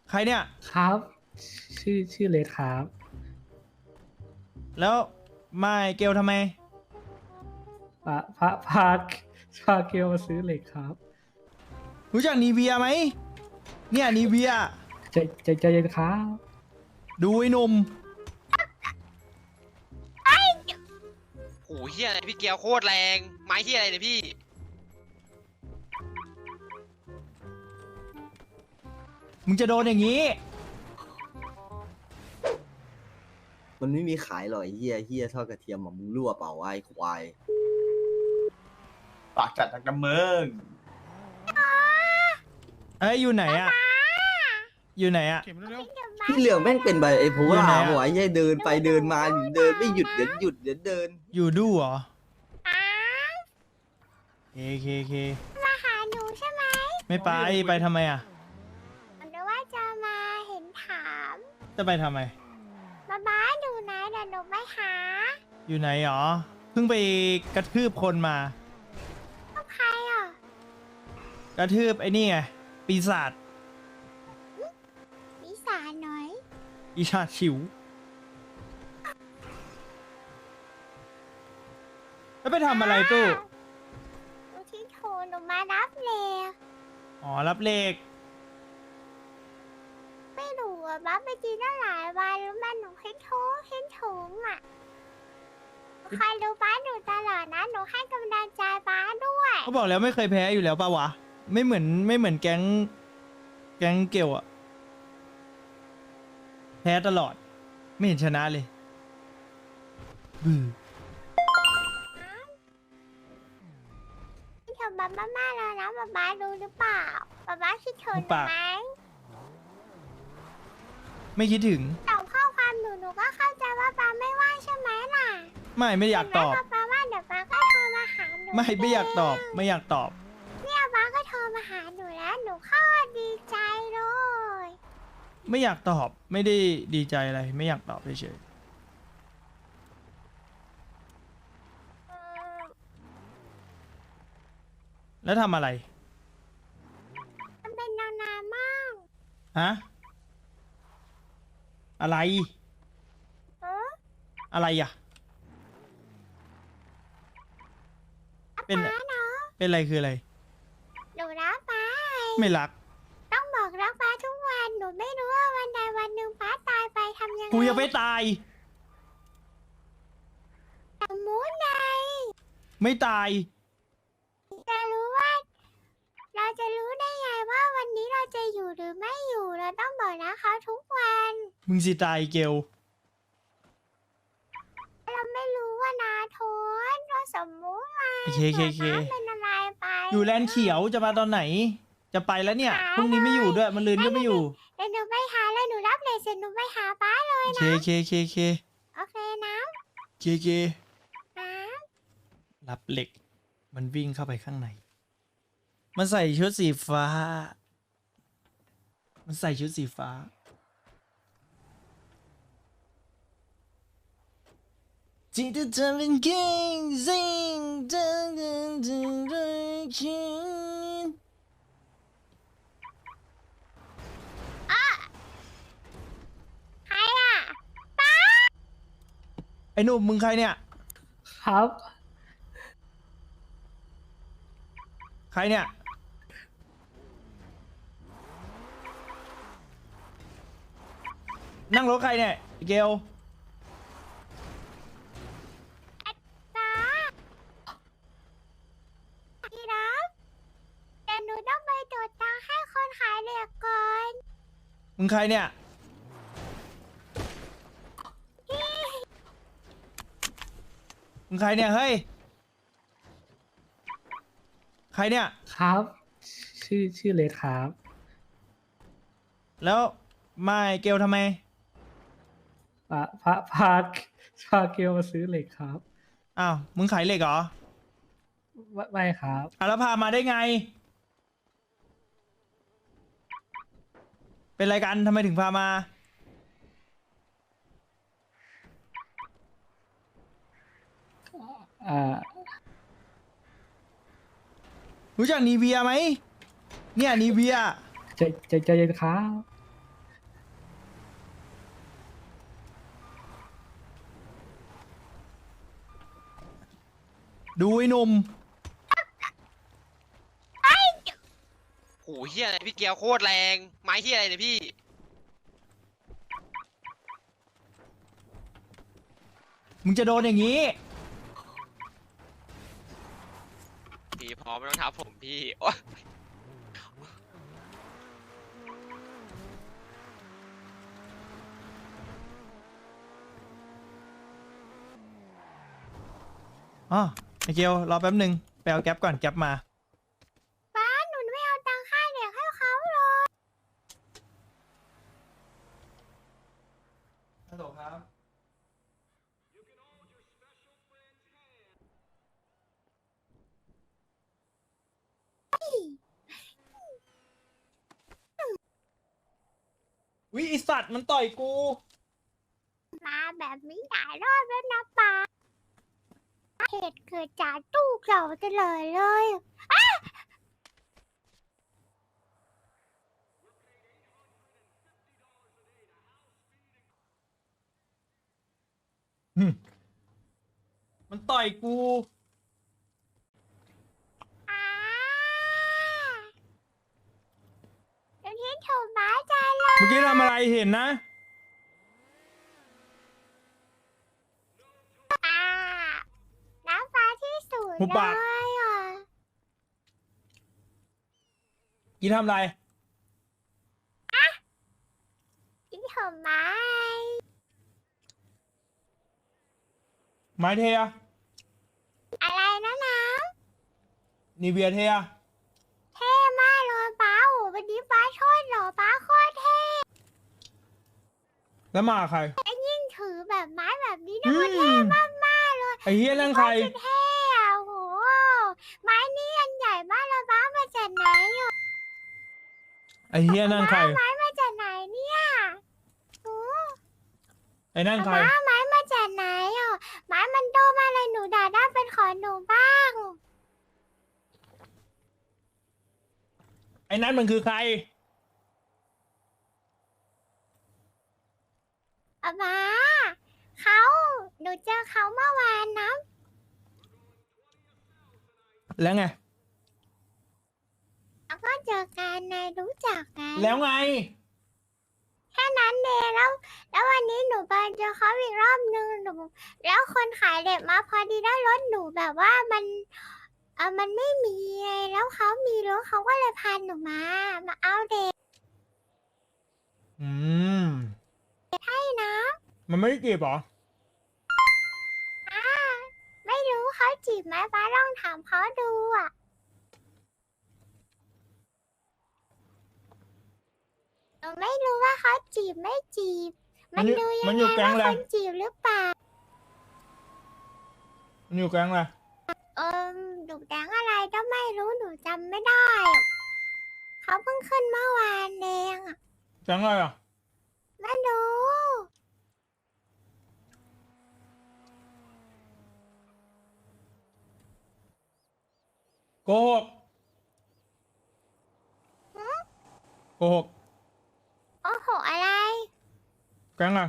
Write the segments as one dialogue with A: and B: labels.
A: ใครเนี่ย
B: ครับ ชื่อเลดครับ
A: แล้วไม่เกลทำไม
B: พาเกลมาซื้อเหล็กครับ
A: รู้จักนีเวียไหมเนี่ยนีเวีย
B: ใจเย็นครับ
A: ดูไอ้หนุ่ม
C: โอ้โหเฮียอะไรพี่เกียวโคตรแรงไม้เฮียอะไรเนี่ยพี่
A: มึงจะโดนอย่างนี้
D: มันไม่มีขายหรอกไอ้เฮียทอดกระเทียมอ่ะมึงรั่วเปล่าวะไอ้ควาย
E: ปากจัดจากน้ำเมือง
A: เอ้ยอยู่ไหนอะอยู่ไหนอะ
D: พี่เหลืองแม่งเป็นใบไอ้ผัว
A: อยู่ไหนอะ
D: หัวไอ้เหี้ยเดินไปเดินมาเดินไม่หยุดเดี๋ยวหยุดเดี๋ยวเดิน
A: อยู่ดูเหรอเค
F: มาหาหนูใช่ไหม
A: ไม่ไปไปทำไมอะ
F: หรือว่าจะมาเห็นถาม
A: จะไปทำไม
F: บ้าดูนะเดี๋ยวหนูไปหา
A: อยู่ไหนหรอเพิ่งไปกระทืบคนมา
F: ต้องใครอ่ะ
A: กระทืบไอ้นี่ไงปีศาจ
F: วิสาหน่อย
A: ปีศาจฉิวแล้วไปทำอะไรตู้
F: หนูที่โทรหนูมารับเลย
A: อ๋อรับเลข
F: ไม่รู้อ่ะบ้าไปจีนตั้งหลายวันแล้วมันหนูเห็นโทรเห็นถุงอ่ะใครดูบ้าหนูตลอดนะหนูให้กำลังใจบ้าด้วย
A: เขาบอกแล้วไม่เคยแพ้อยู่แล้วป่าวะไม่เหมือนแก๊งเกลอะแพ้ตลอด ไม่เห็นชนะเลยบือ
F: คิดถึงบ้ามากๆแล้วนะบ้ารู้หรือเปล่าบ้าคิดถึงหนูไหม
A: ไม่คิดถึง
F: แต่ข้อความหนูก็เข้าใจว่าบ้าไม่ว่างใช่ไหมล่ะ
A: ไม่อยากตอบ
F: เห็นไหมป้าว่าเดี๋ยวป้าก็โทรมาหาหนู
A: ไม่อยากตอบ
F: เง
A: ไม่อยากตอบ
F: เนี่ยป้าก็โทรมาหาหนูแล้วหนูโคตรดีใจเลย
A: ไม่อยากตอบ ไม่ได้ดีใจอะไร ไม่อยากตอบเฉย
F: อืม
A: ๆแล้วทำอะไร
F: มันเป็นนานๆมาก
A: ฮะอะไร
F: เออ
A: อะไรอ่ะ เป็น
F: ป้าเนาะ
A: เป็นอะไรคืออะไร
F: หนูรักป้า
A: ไม่รัก
F: ต้องบอกรักป้าทุกวันหนูไม่รู้ว่าวันใดวันหนึ่งป้าตายไปทำยังไง
A: กูยังไม่ตาย
F: สมมุติไง
A: ไม่ตาย
F: จะรู้ว่า เราจะรู้ได้ไงว่าวันนี้เราจะอยู่หรือไม่อยู่เราต้องบอกรักเขาทุกวัน
A: มึงสิตายเกล
F: เราไม่รู้ว่านาโทนเราสมมุติไง
A: เค
F: น้ำเป็นอะไรไป
A: อยู่แลนด์เขียวจะมาตอนไหน จะไปแล้วเนี่ย
F: หา
A: พรุ่งนี้ไม่อยู่ด้วย มันลืนก็ไม่อยู่
F: เดี๋ยวหนูไปหาเลยหนูรับเลยเสร็จหนูไปหาป้าเลย
A: เค
F: นะ
A: เค
F: โอเคนะ
A: เค
F: นะ
A: รับเหล็ก มันวิ่งเข้าไปข้างใน มันใส่ชุดสีฟ้า มันใส่ชุดสีฟ้า ที่จะทำเป็นเก่งสิ่งเดินด้วยคิด
F: ใครอ่ะป้า
A: ไอ้หนุ่มมึงใครเนี่ย
B: ครับ
A: ใครเนี่ย นั่งรถใครเนี่ยเกล
F: ป้าพี่รับเดี๋ยวหนูต้องไปตรวจตังค์ให้คนขายเหล็กก่อน
A: มึงใครเนี่ย มึงใครเนี่ย เฮ้ย ใครเนี่ย
B: ครับ ชื่อเลดครับ
A: แล้วไม่เกลทำไม
B: พาเกลมาซื้อเหล็กครับ
A: อ้าว มึงขายเหล็กเหรอ
B: ไม่ครับ
A: อ่ะแล้วพามาได้ไง เป็นไรกันทำไมถึงพามา รู้จักนีเวียไหม เนี่ยนีเวีย
B: ใจเย็นครับ
A: ดูไอ้หนุ่ม
C: โอ้เฮียอะไรพี่เกียวโคตรแรงไม้เฮียอะไรเนี่ยพี่
A: มึงจะโดนอย่างนี้
C: พี่พอไม่ต้องทับผมพี่โอ๊ย
A: อ๋อไอเกียวรอแป๊บหนึ่งไปเอาแก๊ปก่อนแก๊ปมา
F: ป้าหนูไม่เอาตังค่าเด็กให้เขาเลย
A: ฮัลโหลครับ วิไอสัตว์มันต่อยกู
F: มาแบบนี้หลายรอบแล้วนะป้าเหตุเกิดจากตู้เก่าตลอดเลยอ้า
A: มันต่อยกู
F: อ่าเดี๋ยวที่ถูกหมาใจเลย
A: เมื่อกี้ทำอะไรเห็นนะ
F: อ่าน้ำฟ้าที่สุด
A: หุบ
F: เล
A: ปาก
F: ยอ่ะ
A: กี้ทำอะไร
F: ที่ถูกไม้
A: ไม้เทีย
F: อะไรนะน้
A: นีเวียเทีย
F: ำเท่มากเลยป้าโอ้วันนี้ป้าโทษเหรอป้าโคตรเท่
A: แล้วมาใคร
F: ยิ่งถือแบบไม้แบบนี้นะ
A: อื
F: มันเท่
A: ม
F: มากๆเลย
A: ไอเฮียนั่งใคร
F: โตเท่อะโหไม้นี่อันใหญ่มากเลยป้ามาจากไหนอ่ะ
A: ไอเฮียนั่งใคร
F: ไม้มาจากไหนเนี่ยโอ้
A: ไอนั่นใคร
F: ป้าไม้มาจากไหนอ่ะไม้มันโตมากเลยหนูด่าได้เป็นของหนูบ้าง
A: ไอนั่นมันคือใคร
F: ป้าเขาหนูเจอเขาเมื่อวานนะ
A: แล้วไง
F: แล้วก็เจอกันนายรู้จักกัน
A: แล้วไง
F: แค่นั้นเองแล้ววันนี้หนูไปเจอเขาอีกรอบนึงหนูแล้วคนขายเด็กมาพอดีได้รถหนูแบบว่ามันไม่มีไงแล้วเขามีรถเขาก็เลยพาหนูมาเอาเด็ก
A: อืม
F: ให้นะ
A: มันไม่ได้จีบเหรอ
F: ไม่รู้เขาจีบไหมป้าลองถามเขาดูอ่ะหนูไม่รู้ว่าเขาจีบไม่จีบ มันดูยั
A: มัน
F: ง
A: อยู่
F: ไง
A: แก๊ง
F: ว่า
A: อะไร
F: คนจีบหรือเปล่า
A: มันอยู่แก๊งอะไร
F: หนูแดงอะไรก็ไม่รู้หนูจำไม่ได้อะเขาเพิ่งขึ้นเมื่อวานเองอะ
A: แก๊งอะไรอ่ะ
F: ไม่รู้
A: โกหก โกหก
F: โอ้โหอะไร
A: แก๊งอะไร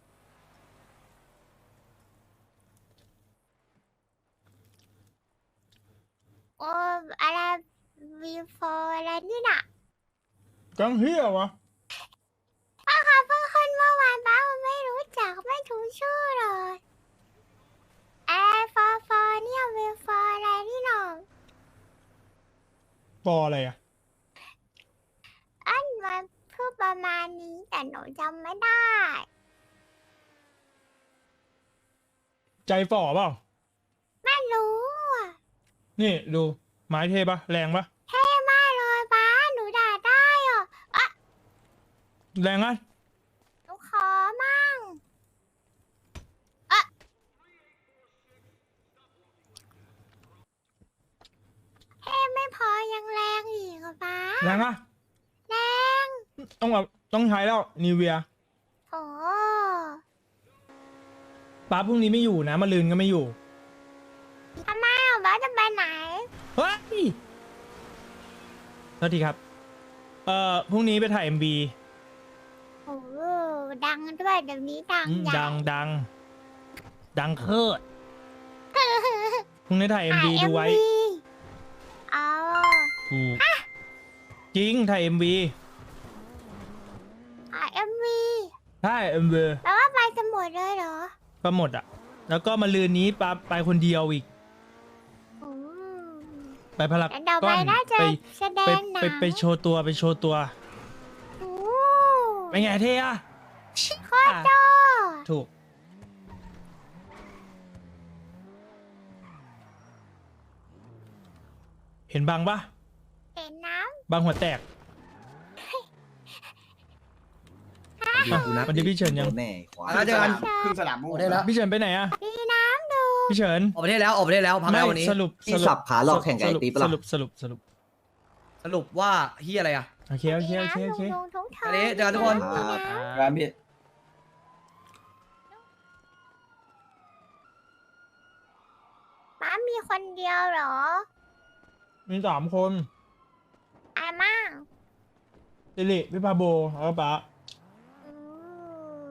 F: โอ้อะไรวีโฟอะไรนี่น่ะ
A: แก๊งเฮียวะ
F: ป้าเขาเพิ่งขึ้นเมื่อวานป้าไม่รู้จักไม่ถูกชื่อเลยแอร์ฟอเนี่ยวีโฟอะไรนี่หนอ
A: ปออะไรอ่ะ
F: อันมันพูดประมาณนี้แต่หนูจำไม่ได้
A: ใจฝ่อเปล่า
F: ไม่รู้อะ
A: นี่ดูไม้เทปะแรงปะ
F: เท่มากเลยป้าหนูด่าได้อ่ะ
A: แรงอ่ะ
F: หนูขอมั่งเท่ไม่พอยังแรงอีกอ่ะป้า
A: แรงอ่ะ
F: แรง
A: ต้องใช้แล้วนีเวีย
F: โอ้
A: ป้าพรุ่งนี้ไม่อยู่นะมาลืนก็ไม่อยู่
F: ทำไมอ่ะป้าจะไปไหน
A: เฮ้ยโทษทีครับ พรุ่งนี้ไปถ่าย MV
F: โอ้ดังด้วยเดี๋ยวนี้ดังใหญ่
A: ดัง ดังเคิดพรุ่งนี้ถ่าย MV ดูไว้
F: อ๋อ
A: ถูกจริงถ่าย MV
F: MV
A: ใช่ MV
F: แปลว่าไปกันหมดเลยเหรอ
A: ก็หมดอ่ะ แล้วก็มาลืนนี้ไปคนเดียวอีก
F: อืม
A: ไปพลัก
F: แล้วเดี๋ยว
A: ก้
F: ไป
A: อน
F: น่าจะ
A: ไป
F: แสด
A: ไป
F: งหนัง
A: ไปโชว์ตัวไปโชว์ตัว
F: โอ้
A: เป็นไงเท่อะ
F: โคตรโต
A: ถูก เห็นบางปะ
F: เห็นน้
A: บางหัวแตก วันนี้พี่เฉินยัง
D: แน่ควาย
E: แล้วเจอกัน
G: ครึ่งสนาม
E: ออกประเทศแล้ว
A: พี่เฉินไปไหนอะ
F: ำมีน้ำดู
A: พี่เฉิน
E: ออกประเทศแล้วออกประเทศแล้วพัก
A: ไม่
E: แล้ววันนี้
A: สรุป
D: ที่สับขาหลอกแข่งกับไอ้ตีปะ
A: ส
D: ล่ะ
A: รุป
E: สรุปว่าเฮียอะไรอ่ะ
A: โอเคโอเคโอเคโอเค
F: มีน้ำลุงๆทุ่งทอง
E: อันนี้เจอกันทุกคน
F: มีำ
G: ร้านพี่
F: ป๊ามีคนเดียวเหรอ
A: มี3 คน
F: อาม่า
A: สิริพี่พาโบแล้วก็ป๊า
F: อืม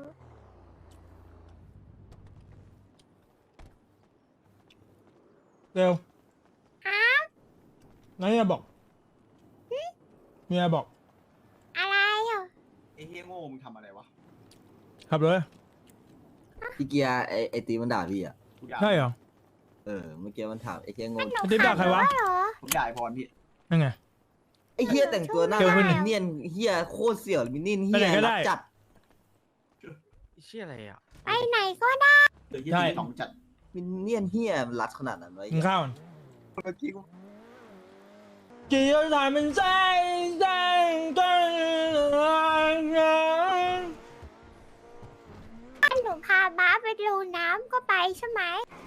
A: เร็ว
F: ฮะ
A: นั่นเนี่ยบอกเมียบอก
F: อะไรอ่ะ
G: ไอ้เฮียโง่มึงทำอะไรวะ
A: ขับเลย
D: พี่เกียร์ไอ้ตีมันด่าพี่อ่ะ
G: กูด่า
A: ใช่เหรอ
D: เมื่อกี้มันถามไอ้เกียร์งง
F: หนู
A: ติ๊บด่าใครวะ
F: ขับถเหรอ
G: ผมด่าไอ้พรพี่
A: นั่นไง
D: ไอ้เฮียแต่งตัวหน้า
A: เดี๋ยว
D: มิ
A: ขึ้น
D: นเนี่ยนเฮียโคตรเสี่ยวมินนี่นเฮี
A: ไปไหน
D: ย
A: ก็ได้
D: รักจัด
C: เชี่ยอะไรอ่ะ
F: ไปไหนก็ได้
G: เดี๋ยวเฮีย
A: ใช่
G: สองจัด
D: มินเนี่ยนเฮียมันรัดขนาดนั้นไว้
A: กินข้าวก่อน
G: เมื่อกี้กู
A: กี่ยถ่ายมันใจกัน
F: ถ้าหนูพาม้าไปดูน้ำก็ไปใช่ไหม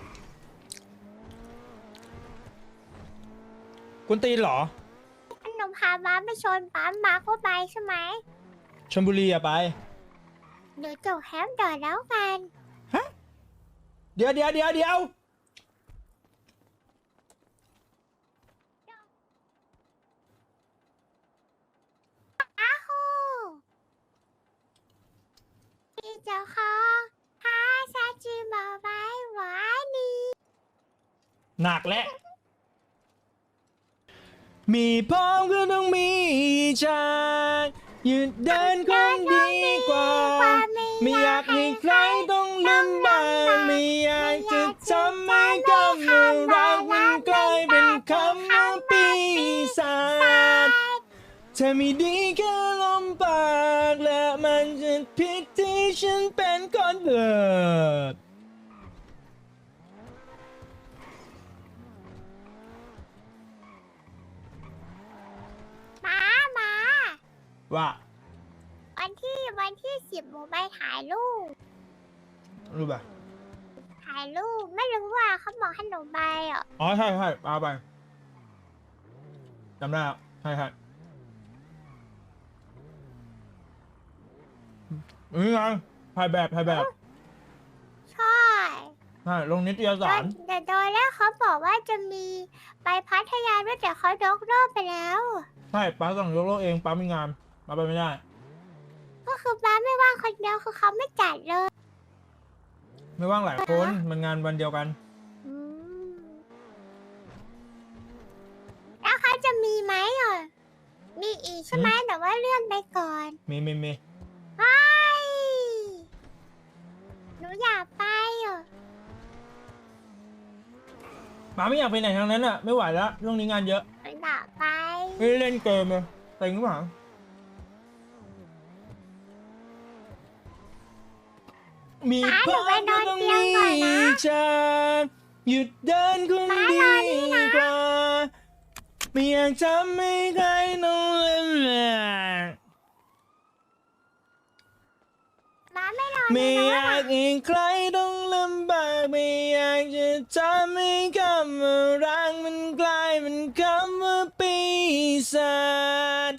A: กุนตีนเหรอ
F: ถ้าหนูพาม้าไปชนปั๊มม้าก็ไปใช่ไหม
A: ชลบุรีอะไป
F: เดี๋ยวจบแฮมต่อแล้วกัน
A: เดี๋ยว
F: อ้าฮูพี่เจ้าของฮาซาจิมาไว้หวานี
A: หนักแล้วมีพ้องก็ต้องมีใจหยุดเดินคนดีกว่า ไม่อยากให้ใครต้องลำบากไม่อยากจะทำให้คำว่ารักมันกลายเป็นคำว่าปีศาจเธอไม่ดีแค่ลมปากและมันจะผิดที่ฉันเป็นคนเกิด
F: ม้า
A: ว่า
F: วันที่10หนูไปถ่ายรูป
A: รู้ป่ะ
F: ถ่ายรูปไม่รู้ว่าเขาบอกให้หนูไปอ่ะ
A: อ๋อใช่เอาไปจำได้แล้วใช่นี่ไงถ่ายแบบ
F: ใช่
A: ใช่ลงนิตยสาร
F: แต่ตอนแรกเขาบอกว่าจะมีไปพัทยาด้วยแต่เขายกเลิกไปแล้ว
A: ใช่ป้าสั่งยกเลิกเองป้ามีงานป้าไปไม่ได้
F: ก็คือป้าไม่ว่างคนเดียวคือเขาไม่จัดเลย
A: ไม่ว่างหลายคนมันงานวันเดียวกัน
F: อืมแล้วเขาจะมีไหมอ่ะมีอีกใช่ไหมแต่ว่าเลื่อนไปก่อน
A: มี
F: ไปหนูอยากไปอ่ะ
A: ป้าไม่อยากไปไหนทางนั้นอ่ะไม่ไหวแล้วช่วงนี้งานเยอะ
F: หนูอยากไป
A: ไม่ได้เล่นเกมเลยเต็งหรือเปล่ามีพ่อก็ต้องมีจะหยุดเดินคนดีกว่าไม่อยากทำให้ใครต้องลำบาก
F: ม้าไม่รอ
A: ไม่
F: เลย
A: อยา
F: นะ
A: กให้ใครต้องลำบากไม่อยากจะทำให้คำว่ารักมันกลายเป็นคำว่าปีศาจ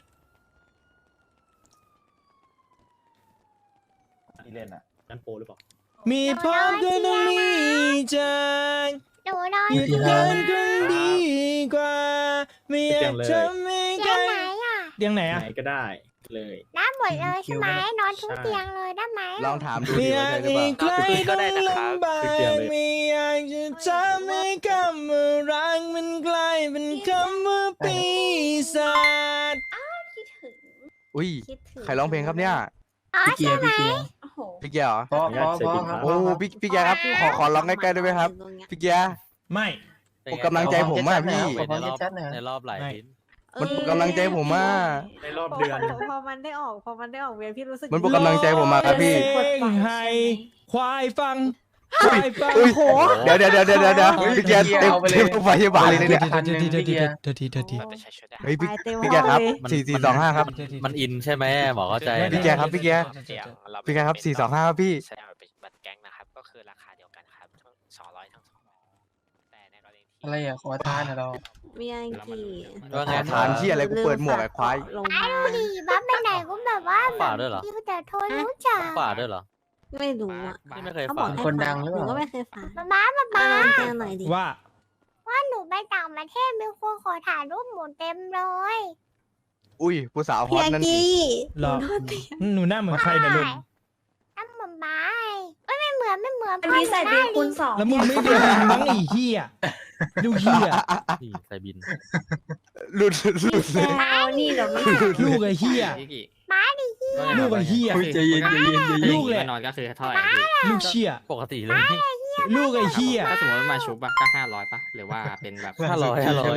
G: ที่เล่นอ่ะ
A: มีพ่อก็ต้องมีใจ
F: หนูรอ
A: หยุดเดินคนดีกว่าไม่อยากทำให้ใค
F: เตี
A: ร
F: ยงไหนอ่ะ
A: เตียงไหนอะ
H: ไหนก็ได้เลย
F: ได้หมดเลยใช่ไหมนอนทุกเตียงเลยได้ไหม
D: ลองถามดู
A: ไม่
D: ดิ
A: อยา
D: ว่าก ใช่หรือ
A: ให้
D: เปล่า
A: ใครต้องลำบากไม่อยากจะทำให้คำว่ารักมันกลายเป็นคำว่าปีศาจ
H: คิดถึง
D: อุ้ย
H: คิดถึง
D: ใครร้องเพลงครับเนี่ย
F: อ๋อใช่ไหม
H: โอ้โห
D: พี่เกียร์เหรอ
G: พอครับ
D: โอ้พี่เกียร์ครับขอร้องใกล้ๆได้ไหมครับ พี่เกียร์
A: ไม่
D: ปลุกกำลังใจผมมากพี่
I: ในรอบหลาย
A: ไม่
I: ลิ้น
D: มันปลุกกำลังใจผมมาก
I: ในรอบเดือน
H: พอมันได้ออกเวียนพี่รู้สึก
D: มันปลุกกำลังใจผมมากครับพี่
A: เพลงให้ควายฟังควายฟัง
D: อุ้ยเดี๋ยวพี่เกียร์เต็มโรงพยาบาลเลยเนี่ย
A: เดี๋ยวที
D: เฮ้ยพี่แกครับ4425ครับ
I: มันอินใช่ไหมหมอเข้าใจ
D: พี่แกครับพี่แกครับ425ครับพี่
C: แสดงว่าเป็นบัตรแก๊งนะครับ ก็คือราคาเดียวกันครับทั้ง200ทั้ง2แต่ในกรณีที่
G: อะไรอ่ะขอทานเรา
H: มีอังกี
I: ว่าไง
D: ฐานที่อะไรกูเปิดหมวกไอ้ควาย
H: ลงมา
F: ดีบ้าไปไหนก็แบบว่า
I: ฝากด้วยเหรอ
F: พี่แต่โทรรู้จัก
I: ฝาดด้วยเหรอ
H: ไม่รู้อ่ะ
I: นี่ไม่เคย
H: เขาบ
I: ฝา
H: อก
I: ด
H: ให้
G: คนดังหรือเปล่า
H: นูก็ไม่เคยฝาก
F: มา
H: เอาเจอหน่อยดิ
A: ว่า
F: ว่าหนูไปต่างประเทศมีคนขอถ่ายรูปหมูเต็มเลย
D: อุ้ยผู้สาวฮอ
H: พี่
D: ต
H: อัง
D: นั่น
H: กี
A: หรอ
H: โทษที
A: หนูหน้าเหมือนใครนะลุง
F: น้ำเหมือนบ้าเอ้ยไม่เหมือน
H: อันนี้ใส่บินคูณสอง
A: แล้วมึงไม่เดินมั้งไอ้เหี้ยลูกเหี้ย
I: นี่ใส่บิน
D: หลุดเลย
H: เอานี่เดี๋ยวไม่
A: ลูกไอ้เหี้ย
F: ม้าดิ
A: ลูกไอ้เหี้ย
G: ใจเย็น
A: ลูกแหละ
J: นอนก็คือเท่าไหร่พี่
A: ลูกเชี่ย
I: ปกติเลย
A: ลูกไอ้เหี้ย
J: ถ้าสมมติว่ามาชุบอะก็500ป่ะ หรือว่าเป็นแบบ
I: 500
H: อร่อย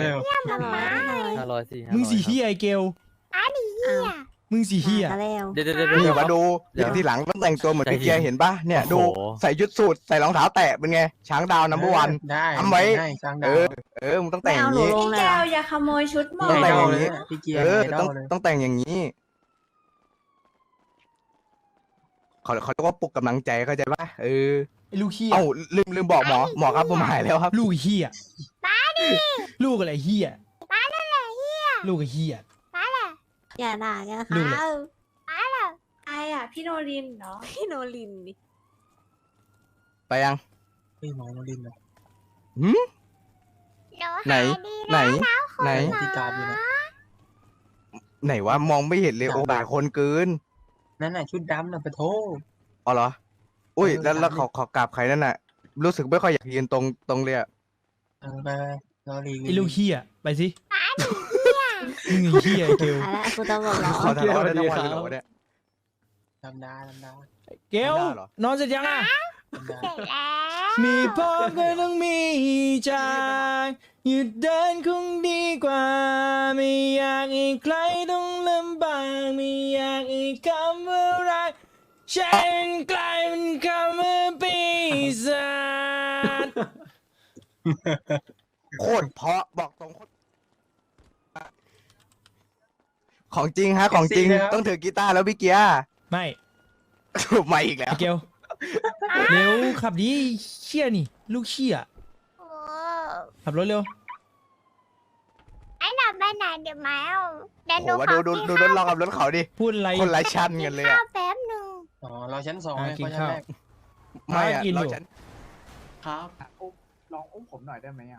I: 500สิ
A: มึงสีเหี้ยไอ้เกล
F: เนี่ย
A: มึงสีเหี้ย
H: มาแล้ว
I: เดี๋ยว
D: นี่มาดูทีหลังต้องแต่งตัวเหมือนพี่เกียร์เห็นปะเนี่ยดูใส่ยุดสูทใส่รองเท้าแตะเป็นไงช้างดาวนัมเบอร์วัน
G: ได้
D: ทำไว้
G: ช้าง
D: เอ
G: ดาว
D: อมึงต้องแต่งอย่าง
H: ไม่
D: นี้
H: เอาหนูลงเลยเหรอ
F: อย่าขโมยชุดหมอ
D: ต้องแต่งอย่างนี้
G: พี่เกียร์
D: ต้องแต่งอย่างนี้เขาเรียกว่าปลุกกำลังใจเข้าใจปะ
A: ไอ้ลูกเหี้ย
D: เอ้าลืมบอกหมอครับผมหายแล้วครับ
A: ลูกไอ้เหี้ยลูกอะไรเหี้ยลูกไอ้เหี้ย
H: อย่าด่ากัน
A: ลู
H: ค่ะ
A: กเลย
H: ไอ้อะพี่โนรินเนาะพี่โนรินดิ
D: ไปยัง
G: พี่หมอโนรินเลย
D: ไหนไหน
G: พี่การอยู่นะ
D: ไหนวะมองไม่เห็นเลยโอ้หลายคนเกิน
G: นั่นน่ะชุดดำน่ะไปโทษ
D: อ๋อเหรออุ้ยแล้วขอกราบใครนั่นน่ะ รู้สึกไม่ค่อยอยากยืนตรงเลยอะ
G: ไปรอรี
A: ไอ้ลูกเหี้ยไปสิมึงไอ้เหี้ยไอ้เกล
H: อะไรกูต้องบอกแล้ว
D: ขอทะเลาะได้ทั้งวันเลยเหรอวะเนี่ย
G: ทำได้
A: เกล
D: ไม่ได้เหรอ
A: นอนเสร็จยังอ่ะ
F: เสร็จแล้ว
A: มีพ่อก็ต้องมีจากหยุดเดินคงดีกว่า ไม่อยากให้ใครต้องลำบากไม่อยากให้คำว่ารักฉันกลายเป็นคำว่าปีศาจ
D: โคตรเพราะบอกตรงของจริงฮะของจริงต้องถือกีตาร์แล้วพี่เกียร์
A: ไม่
D: ถูกมาอีกแล้ว
A: ไอ้เกลเร็วขับดีเชี่ยนี่ ลูกเชี่ย
F: โอ้
A: ขับรถเร็ว
F: ไอ้ดับไปไหนเดี๋ยวมาเอาเดี๋ยวหนู
D: โอ้
F: ขอ
D: ดู
F: กิน
D: รถเรากับรถเขาดิ
A: พูดอะไร
D: คนละชั้นกันเลย
F: ข้า
D: อะ
F: วแป๊บหนึง
G: อ๋อเราชั้น2
A: อ่ะ
G: เลย
A: กิน
G: ชั้น
A: ข้าว
G: แรก
D: ไม่อะ
A: กินอยู่
D: เราชั้น
G: ครับลองอุ้มผมหน่อยได้ไหมอ่ะ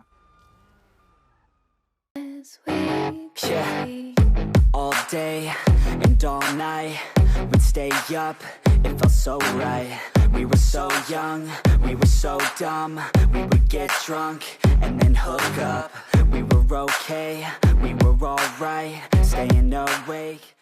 K: Yeah, all day and all night, we'd stay up, it felt so right. We were so young, we were so dumb, we would get drunk and then hook up. We were okay, we were alright, staying awake.